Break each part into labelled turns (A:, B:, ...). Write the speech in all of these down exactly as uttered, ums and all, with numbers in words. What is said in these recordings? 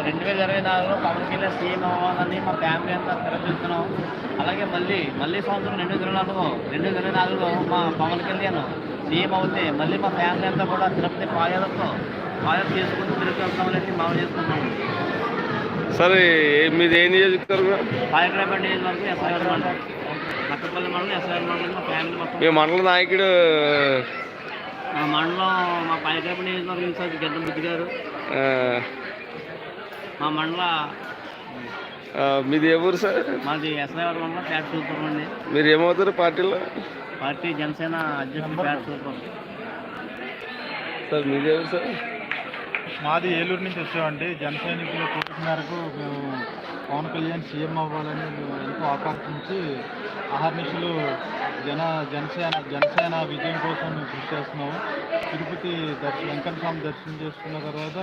A: రెండు వేల ఇరవై నాలుగులో పవన్ కళ్యాణ్ సీఎం అవ్వాలని మా ఫ్యామిలీ అంతా తెరచుతున్నాం. అలాగే మళ్ళీ మళ్ళీ సంవత్సరం రెండు వేల ఇరవై నాలుగు రెండు వేల ఇరవై నాలుగులో మా పవన్ కళ్యాణ్ సీఎం అవుతే మళ్ళీ మా ఫ్యామిలీ అంతా కూడా తిరుపతి పాదయాత్రతో పాదయాత్ర చేసుకుంటూ తిరుపతి వెళ్తామని మనం చేసుకుంటాం.
B: సరే మీది ఏ నియోజకవర్గం?
A: పాయకరాపేట నియోజకవర్గం ఎస్ఐఆర్ మండలం, నక్కపల్లి మండలం, ఎస్ఐఆర్ మండలం. మా ఫ్యామిలీ మొత్తం
B: మీ మండల నాయకుడు
A: మా మండలం మా పాయకరాపేట నియోజకవర్గం ఇన్ఛార్జ్ గడ్డం బుద్ధి గారు. మా మండల
B: మీది ఏ ఊరు సార్?
A: మాది ఎస్ఐఆర్ మండలం పేట సూపర్ అండి.
B: మీరు ఏమవుతారు పార్టీలో?
A: పార్టీ జనసేన అధ్యక్షుడు పేట సూపర్
B: సార్. మీది ఎవరు సార్?
C: మాది ఏలూరు నుంచి వచ్చామండి. జన సైనికుల కోరిక మేరకు మేము పవన్ కళ్యాణ్ సీఎం అవ్వాలని ఎంతో ఆకాంక్షించి అహర్నిశలు జన జనసేన జనసేన విజయం కోసం మేము కృషి చేస్తున్నాము. తిరుపతి దర్శనం వెంకట స్వామి దర్శనం చేసుకున్న తర్వాత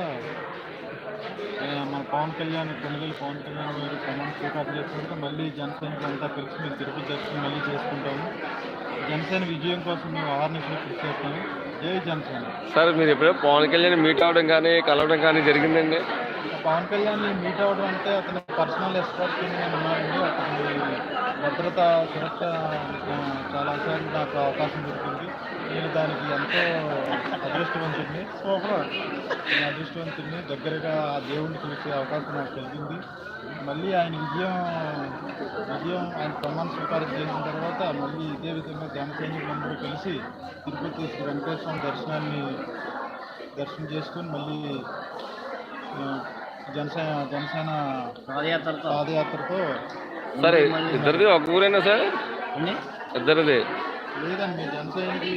C: మన పవన్ కళ్యాణ్ కొనుగోలు పవన్ కళ్యాణ్ గారు ప్రమాణ స్వీకారం చేసుకుంటే మళ్ళీ జనసేనకు అంతా కలిసి మేము తిరుపతి దర్శనం మళ్ళీ చేసుకుంటాము. జనసేన విజయం కోసం మేము అహర్నిశలు కృషి చేస్తాము. జై జనసేన.
B: సార్ మీరు ఎప్పుడో పవన్ కళ్యాణ్ మీట్ అవ్వడం కానీ కలవడం కానీ జరిగిందండి?
C: పవన్ కళ్యాణ్ మీట్ అవ్వడం అంటే అతని పర్సనల్ ఎస్కార్ట్ నేను ఉన్నానండి. అతని భద్రత సురక్ష చాలాసార్లు నాకు అవకాశం దొరికింది. నేను దానికి ఎంతో అదృష్టవంతుడిని నేను అదృష్టవంతుడిని దగ్గరగా ఆ దేవుడిని చూసే అవకాశం నాకు కలిగింది. మళ్ళీ ఆయన విజయం విజయం ఆయన ప్రమాణ స్వీకారం చేసిన తర్వాత మళ్ళీ ఇదే విధంగా జన సైనికులందరూ కలిసి తిరుపతి శ్రీ వెంకటేశ్వర దర్శనాన్ని దర్శనం చేసుకొని మళ్ళీ జనసేన జనసేన
A: పాదయాత్రతో
C: పాదయాత్రతో
B: సరే ఇద్దరిది ఒక ఊరేనా సార్? ఇద్దరిది
C: లేదండి. జనసైనికులు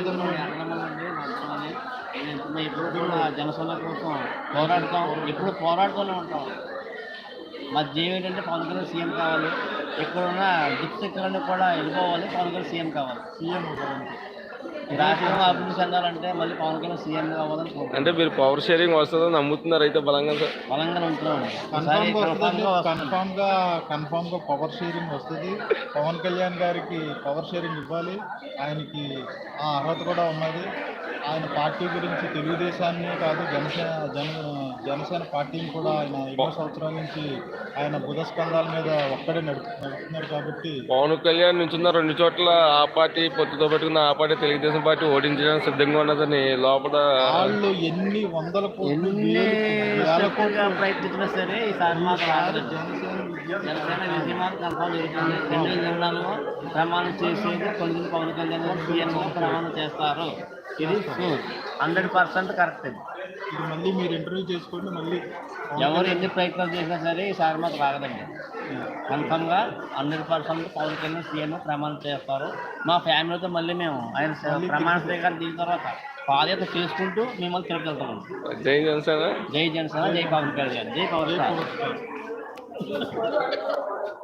A: ఎప్పుడు కూడా జనసేన కోసం పోరాడతాం, ఎప్పుడు పోరాడుతూనే ఉంటాం. మా జీవం ఏంటంటే పవన్ కళ్యాణ్ సీఎం కావాలి. ఎక్కడున్న దిక్సెక్కలన్నీ కూడా వెళ్ళిపోవాలి, పవన్ కళ్యాణ్ సీఎం కావాలి.
C: సీఎం
A: రాష్ట్రం అభివృద్ధి చెందాలంటే మళ్ళీ పవన్ కళ్యాణ్ సీఎం కావాలని కోరుకుంటున్నాం.
B: అంటే మీరు పవర్ షేరింగ్ వస్తుందని నమ్ముతున్నారు అయితే బలంగా సార్?
A: బలంగా నమ్ముతున్నాం.
C: కన్ఫామ్ గా కన్ఫామ్ గా పవర్ షేరింగ్ వస్తుంది. పవన్ కళ్యాణ్ గారికి పవర్ షేరింగ్ ఇవ్వాలి. ఆయనకి ఆ అర్హత కూడా ఉన్నది. ఆయన పార్టీ గురించి తెలుగుదేశాన్ని కాదు జనసేన జన జనసేన పార్టీని కూడా ఆయన ఎన్నో సంవత్సరాల నుంచి ఆయన బుధస్కంధాల మీద ఒక్కడే నడుపు నడుపుతున్నారు కాబట్టి
B: పవన్ కళ్యాణ్ నుంచున్న రెండు చోట్ల ఆ పార్టీ పొత్తుతో పెట్టుకున్న ఆ పార్టీ తెలుగుదేశం పార్టీ ఓడించడానికి సిద్ధంగా ఉన్నదని లోపల
C: వాళ్ళు ఎన్ని వందల
A: ప్రయత్నించినా సరే ఈసారి మాత్రం జనసేన విజయమాత కన్ఫామ్ జరుగుతుంది. రెండు వేల ఇరవై నాలుగు ప్రమాణం చేసేది కొన్ని పవన్ కళ్యాణ్ గారు సీఎం ప్రమాణం చేస్తారు. ఇది హండ్రెడ్ పర్సెంట్ కరెక్ట్. ఇది
C: ఇది మళ్ళీ మీరు ఇంటర్వ్యూ చేసుకోండి. మళ్ళీ
A: ఎవరు ఎన్ని ప్రయత్నాలు చేసినా సరే ఈసారి మాకు రాగదండి. కన్ఫామ్గా hundred percent Pawan Kalyan CM ప్రమాణం చేస్తారు. మా ఫ్యామిలీతో మళ్ళీ మేము ఆయన ప్రమాణ స్వీకారం దిగిన తర్వాత పాదయాత్ర చేసుకుంటూ మిమ్మల్ని తిరుపతి వెళ్తాము.
B: జై జనసేన.
A: జై జనసేన. జై పవన్ కళ్యాణ్. జై పవన్ స్టార్.